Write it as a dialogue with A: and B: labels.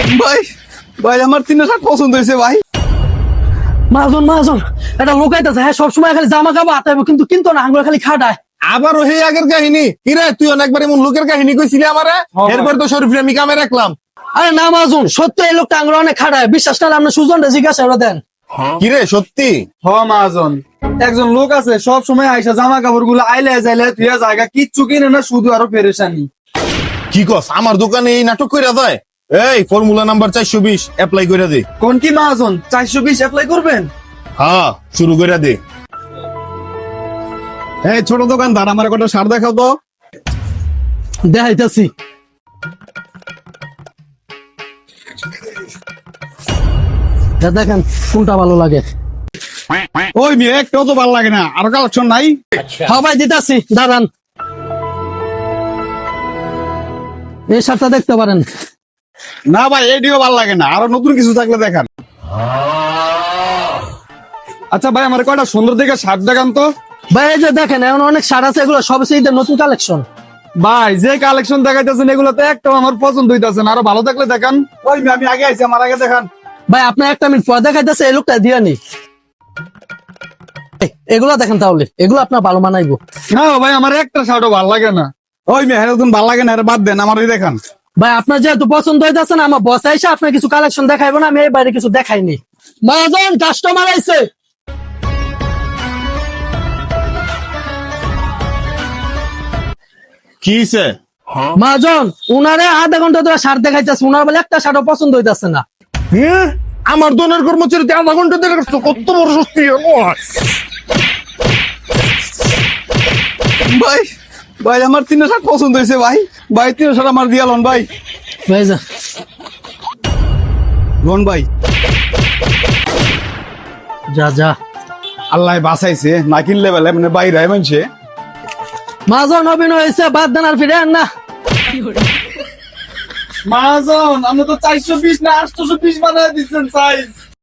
A: ভাই ভাই আমার 360 পছন্দ হয়েছে ভাই।
B: মাহাজন মাহাজন এটা লোকাইতেছে, হ্যাঁ সবসময় খালি জামা কাপড় আতাইব কিন্তু কিনতো না, আঙ্গুর খালি খাটায়।
A: আবারও সেই আগের কাহিনী কিরে, তুই অনেকবার এমন লোকের কাহিনী কইছিলি আমারে, এরপর তো শরীফরে আমি কামে রাখলাম।
B: আরে না মাহাজন, সত্য এই লোকটা আঙ্গুর অনেক খাটায়, বিশ্বাস না আপনার সুজনটা জিজ্ঞাসা ওরা দেন।
A: কিরে সত্যি?
C: হ মহাজন, একজন লোক আছে সব সময় আইসা জামা কাপড় গুলো আইলে যাইলে তুই জায়গা কিচ্ছু কিনে না, শুধু আরো পেরেশানি।
A: কি কস, আমার দোকানে এই নাটক কইরা দেয়? এই ফর্মুলা নাম্বার 420 অ্যাপ্লাই কইরা দে।
C: কোন কি মহাজন 420 অ্যাপ্লাই করবেন?
A: হ্যাঁ শুরু কইরা দে। এই ছোট দোকানদার, আমার একটা শার্ট দেখাও তো।
B: দেখাইতেছি। দেখেন কোনটা ভালো লাগে।
A: ওই মেয়ে একটাও তো ভালো লাগে না, আরো কালেকশন নাই?
B: হ্যাঁ ভাই দিতেছি, দাঁড়ান। এই শার্টটা দেখতে পারেন।
A: না ভাই এটিও ভালো লাগে না, আরো নতুন কিছু থাকলে দেখান।
C: আচ্ছা ভাই, আমার কয়টা সুন্দর দেখে শার্ট দেখান তো।
B: ভাই এই যে দেখেন এখন অনেক শার্ট আছে, এগুলো সব ঈদের নতুন কালেকশন।
C: ভাই যে কালেকশন দেখাইতেছেন এগুলো তো একটাও আমার পছন্দ হইতাছে না, আরো ভালো থাকলে দেখান।
A: ওই মেয়ে আমি আগে আইছি, আমার আগে দেখান।
B: ভাই আপনার একটা মিনিট পর দেখাইতেছে, এই লোকটা দিয়ে নি। এগুলা দেখেন তাহলে, এগুলো আপনার ভালো মানাইবো।
C: না ভাই, আমার একটা শার্টও ভালো লাগে না।
A: ওই মেয়ে নতুন ভালো লাগে না, এর বাদ দেন, আমার ওই দেখান।
B: ভাই আপনার যেহেতু পছন্দ হইতেছে না, আমার বস আইসা আপনার কিছু কালেকশন দেখাইবো না, আমি এই বাইরে কিছু দেখাইনি। মহাজন কাস্টমার আইছে।
A: কি হইছে?
B: মহাজন উনারে আধা ঘন্টা ধরে শার্ট দেখাইতেছে, উনার বলে একটা শার্টও পছন্দ হইতেছে না।
A: আমার দোনের কর্মচারীতে আধা ঘন্টা ধরে রাখছো, কত বড় সত্যি। ভাই ভাই আমার 360 পছন্দ হয়েছে ভাই। ভাই 360 আমার দিয়া লন ভাই।
B: ভাই যা
A: লন ভাই।
B: যা যা।
A: আল্লাহ বাঁচাইছে, না কিনলে বেলা মানে বাইরে মানছে।
B: মহাজন অভিনয় হয়েছে, বাদ দেন আর ফিরে আন না।
C: মহাজন আপনি তো 420 না 820 বানায় দিচ্ছেন সাইজ।